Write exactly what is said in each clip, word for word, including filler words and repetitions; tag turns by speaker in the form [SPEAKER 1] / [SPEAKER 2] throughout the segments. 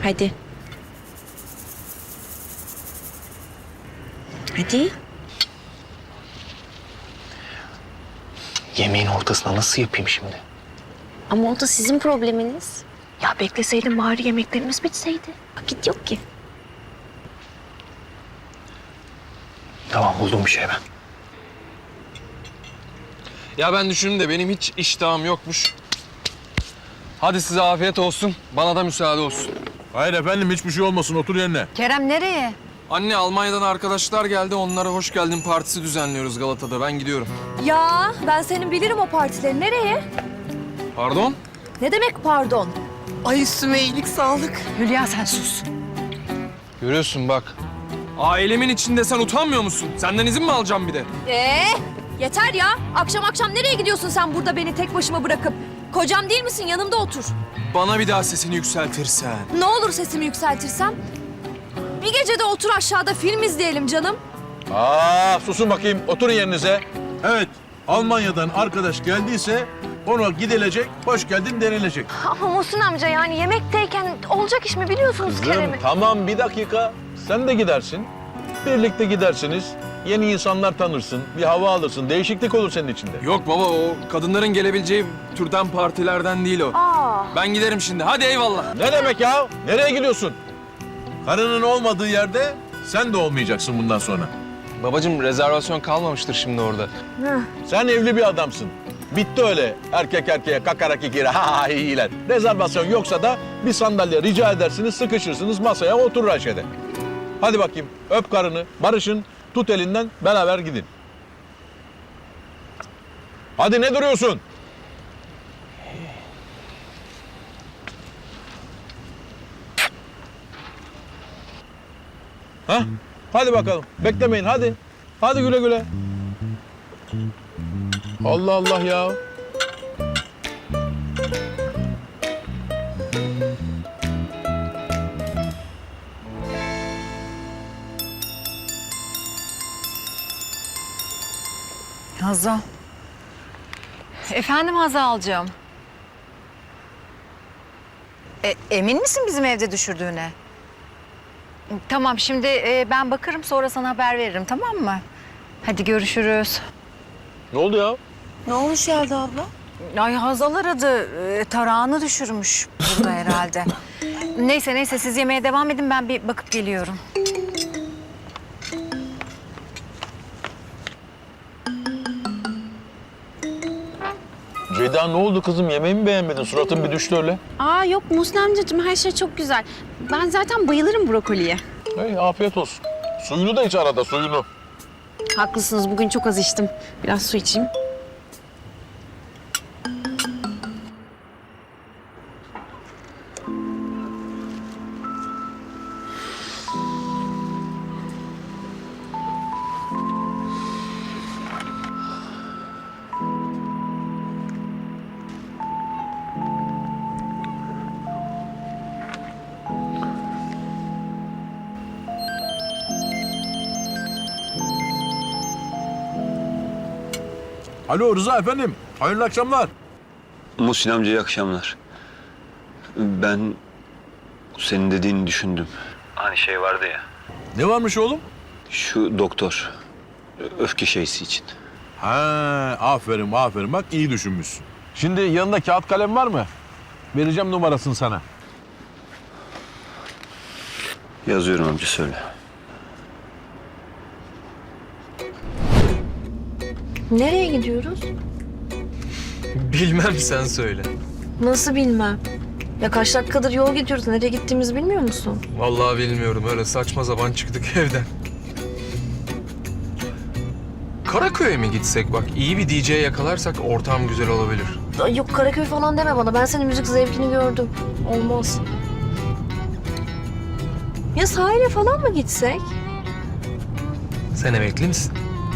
[SPEAKER 1] Hadi. Hadi.
[SPEAKER 2] Yemeğin ortasına nasıl yapayım şimdi?
[SPEAKER 1] Ama o da sizin probleminiz. Ya bekleseydin bari yemeklerimiz bitseydi. Vakit yok ki.
[SPEAKER 2] Tamam, buldum bir şey ben.
[SPEAKER 3] Ya ben düşündüm de benim hiç iştahım yokmuş. Hadi size afiyet olsun. Bana da müsaade olsun.
[SPEAKER 4] Hayır efendim, hiçbir şey olmasın. Otur yerine.
[SPEAKER 5] Kerem nereye?
[SPEAKER 3] Anne, Almanya'dan arkadaşlar geldi. Onlara hoş geldin partisi düzenliyoruz Galata'da. Ben gidiyorum.
[SPEAKER 5] Ya ben senin bilirim o partileri. Nereye?
[SPEAKER 3] Pardon?
[SPEAKER 5] Ne demek pardon?
[SPEAKER 6] Ay üstüme iyilik sağlık.
[SPEAKER 5] Hülya sen sus.
[SPEAKER 3] Görüyorsun bak. Ailemin içinde sen utanmıyor musun? Senden izin mi alacağım bir de?
[SPEAKER 5] Ee, yeter ya. Akşam akşam nereye gidiyorsun sen burada beni tek başıma bırakıp? Kocam değil misin? Yanımda otur.
[SPEAKER 3] Bana bir daha sesini yükseltirsen.
[SPEAKER 5] Ne olur sesimi yükseltirsem? Bir gece de otur aşağıda film izleyelim canım.
[SPEAKER 4] Aa, susun bakayım. Oturun yerinize. Evet, Almanya'dan arkadaş geldiyse ona gidilecek, hoş geldin denilecek.
[SPEAKER 5] Ama Muhsin amca yani yemekteyken olacak iş mi biliyorsunuz
[SPEAKER 4] Kızım, tamam bir dakika. Sen de gidersin. Birlikte gidersiniz. Yeni insanlar tanırsın, bir hava alırsın. Değişiklik olur senin içinde.
[SPEAKER 3] Yok baba, o kadınların gelebileceği türden partilerden değil o.
[SPEAKER 5] Aa.
[SPEAKER 3] Ben giderim şimdi. Hadi eyvallah.
[SPEAKER 4] Ne demek ya? Nereye gidiyorsun? Karının olmadığı yerde sen de olmayacaksın bundan sonra.
[SPEAKER 3] Babacığım, rezervasyon kalmamıştır şimdi orada.
[SPEAKER 4] Sen evli bir adamsın. Bitti öyle erkek erkeğe kakarak ikili ha ha iyiler. Rezervasyon yoksa da bir sandalye rica edersiniz, sıkışırsınız, masaya oturur Ayşe'de. Hadi bakayım, öp karını, barışın, tut elinden, beraber gidin. Hadi ne duruyorsun? Ha? Hadi bakalım, beklemeyin hadi. Hadi güle güle. Allah Allah ya.
[SPEAKER 5] Hazal. Efendim Hazal'cığım. E, emin misin bizim evde düşürdüğüne? Tamam şimdi e, ben bakarım sonra sana haber veririm tamam mı? Hadi görüşürüz.
[SPEAKER 4] Ne oldu ya?
[SPEAKER 5] Ne olmuş Yelda abla? Ay Hazal aradı. E, tarağını düşürmüş burada herhalde. Neyse neyse siz yemeğe devam edin ben bir bakıp geliyorum.
[SPEAKER 4] Ceyda ne oldu kızım? Yemeği mi beğenmedin? Suratın bir düştü öyle.
[SPEAKER 1] Aa yok Muhsin amcacığım, her şey çok güzel. Ben zaten bayılırım brokoliye.
[SPEAKER 4] Hey, afiyet olsun. Suyunu da iç arada, suyunu.
[SPEAKER 1] Haklısınız, bugün çok az içtim. Biraz su içeyim.
[SPEAKER 4] Alo Rıza efendim, hayırlı akşamlar.
[SPEAKER 7] Muhsin amca iyi akşamlar. Ben senin dediğini düşündüm. Hani şey vardı ya.
[SPEAKER 4] Ne varmış oğlum?
[SPEAKER 7] Şu doktor. Öfke şeysi için.
[SPEAKER 4] Ha, aferin aferin bak iyi düşünmüşsün. Şimdi yanında kağıt kalem var mı? Vereceğim numarasını sana.
[SPEAKER 7] Yazıyorum amca söyle.
[SPEAKER 1] Nereye gidiyoruz?
[SPEAKER 3] Bilmem, sen söyle.
[SPEAKER 1] Nasıl bilmem. Ya kaç dakikadır yol gidiyoruz. Nereye gittiğimizi bilmiyor musun?
[SPEAKER 3] Vallahi bilmiyorum. Öyle saçma sapan çıktık evden. Karaköy'e mi gitsek? Bak iyi bir D J yakalarsak ortam güzel olabilir.
[SPEAKER 1] Ay yok Karaköy falan deme bana. Ben senin müzik zevkini gördüm. Olmaz. Ya sahile falan mı gitsek?
[SPEAKER 3] Sen emekli misin?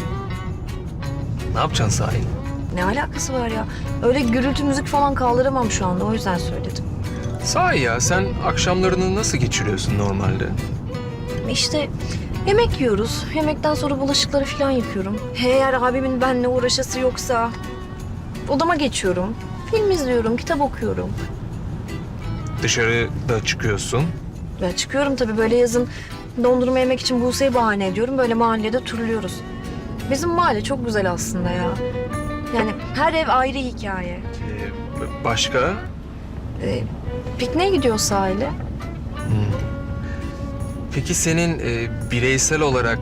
[SPEAKER 3] Ne yapacaksın sahilde?
[SPEAKER 1] Ne alakası var ya? Öyle gürültü müzik falan kaldıramam şu anda. O yüzden söyledim.
[SPEAKER 3] Sahi ya, sen akşamlarını nasıl geçiriyorsun normalde?
[SPEAKER 1] İşte yemek yiyoruz. Yemekten sonra bulaşıkları falan yıkıyorum. Eğer abimin benimle uğraşası yoksa odama geçiyorum. Film izliyorum, kitap okuyorum.
[SPEAKER 3] Dışarıda çıkıyorsun.
[SPEAKER 1] Ya çıkıyorum tabii böyle yazın dondurma yemek için Buse'yi bahane ediyorum. Böyle mahallede turluyoruz. Bizim mahalle çok güzel aslında ya. Yani her ev ayrı hikaye.
[SPEAKER 3] Ee, başka?
[SPEAKER 1] Ee, pikniğe gidiyoruz sahile.
[SPEAKER 8] Peki senin e, bireysel olarak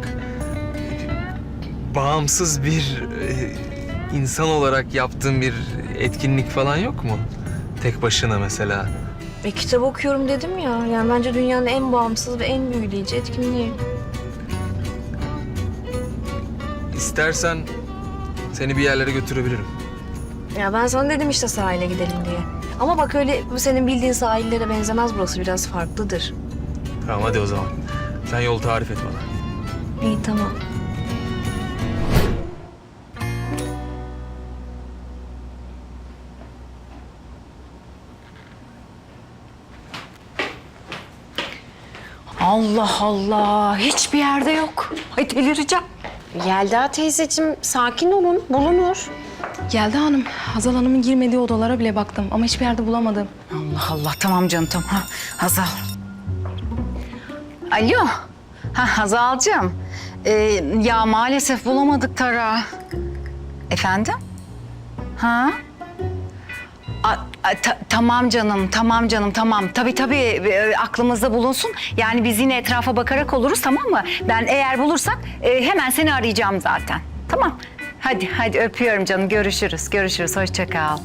[SPEAKER 8] e, bağımsız bir e, insan olarak yaptığın bir etkinlik falan yok mu? Tek başına mesela.
[SPEAKER 1] E, kitap okuyorum dedim ya. Yani bence dünyanın en bağımsız ve en büyüleyici etkinliği.
[SPEAKER 8] İstersen seni bir yerlere götürebilirim.
[SPEAKER 1] Ya ben sana dedim işte sahile gidelim diye. Ama bak öyle bu senin bildiğin sahillere benzemez, burası biraz farklıdır.
[SPEAKER 8] Tamam hadi o zaman. Sen yol tarif et bana.
[SPEAKER 1] İyi tamam.
[SPEAKER 5] Allah Allah, hiçbir yerde yok. Ay delireceğim.
[SPEAKER 9] Yelda teyzeciğim sakin olun, bulunur.
[SPEAKER 6] Yelda Hanım, Hazal Hanım'ın girmediği odalara bile baktım ama hiçbir yerde bulamadım.
[SPEAKER 5] Allah Allah, tamam canım tamam. Ha, Hazal. Alo. Ha, Hazal'cığım. Ee, ya maalesef bulamadık Tara. Efendim? Ha? A, a, ta- tamam canım, tamam canım, tamam. Tabii tabii e, aklımızda bulunsun. Yani biz yine etrafa bakarak oluruz, tamam mı? Ben eğer bulursak e, hemen seni arayacağım zaten. Tamam. Hadi, hadi öpüyorum canım. Görüşürüz, görüşürüz. Hoşça kal.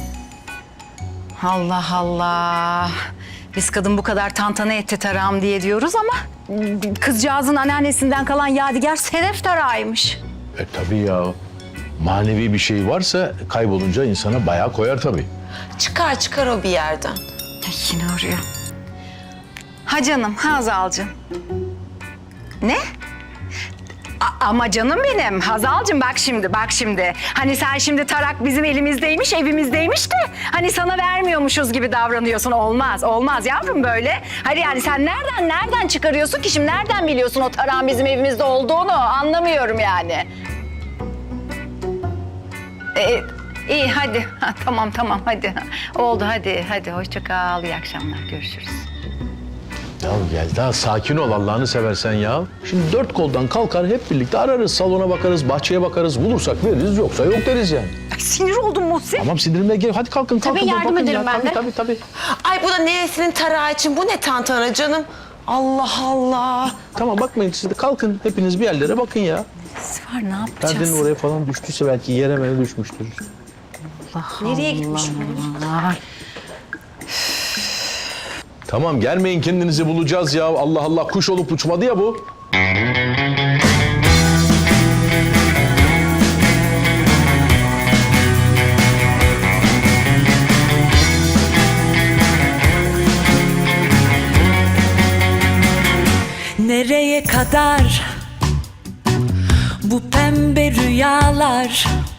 [SPEAKER 5] Allah Allah. Biz kadın bu kadar tantana etti tarağım diye diyoruz ama kızcağızın anneannesinden kalan yadigar sedef tarağıymış.
[SPEAKER 4] E tabii ya. Manevi bir şey varsa kaybolunca insana bayağı koyar tabii.
[SPEAKER 9] Çıkar çıkar o bir yerden.
[SPEAKER 5] Ay, yine arıyor. Ha canım, ha Hazal'cığım. Ne? A- ama canım benim, Hazal'cığım bak şimdi, bak şimdi. Hani sen şimdi tarak bizim elimizdeymiş, evimizdeymiş de... ...hani sana vermiyormuşuz gibi davranıyorsun. Olmaz, olmaz yavrum böyle. Hadi yani sen nereden, nereden çıkarıyorsun ki şimdi? Nereden biliyorsun o tarağın bizim evimizde olduğunu? Anlamıyorum yani. Ee, iyi hadi. Ha, tamam tamam hadi. Oldu hadi, hadi hoşça kal. İyi akşamlar, görüşürüz.
[SPEAKER 4] Ya Yelda sakin ol Allah'ını seversen ya. Şimdi dört koldan kalkar hep birlikte ararız. Salona bakarız, bahçeye bakarız. Bulursak veririz yoksa yok deriz yani.
[SPEAKER 5] Ay, sinir oldum Muhsin.
[SPEAKER 4] Tamam sindirimle gel. Hadi kalkın kalkın.
[SPEAKER 9] Tabii, yardım
[SPEAKER 4] bakın
[SPEAKER 9] ederim
[SPEAKER 4] ya.
[SPEAKER 9] ben
[SPEAKER 4] tabii,
[SPEAKER 9] de.
[SPEAKER 4] Tabii tabii.
[SPEAKER 9] Ay bu da neresinin tarağı için, bu ne tantana canım? Allah Allah.
[SPEAKER 4] Tamam bakmayın siz de kalkın. Hepiniz bir yerlere bakın ya.
[SPEAKER 5] Var ne yapacağız?
[SPEAKER 4] Perdenin oraya falan düştüyse belki yere mere düşmüştür.
[SPEAKER 9] Nereye gitmiş bu?
[SPEAKER 4] Tamam gelmeyin kendinizi bulacağız ya. Allah Allah kuş olup uçmadı ya bu.
[SPEAKER 10] Nereye kadar bu pembe rüyalar?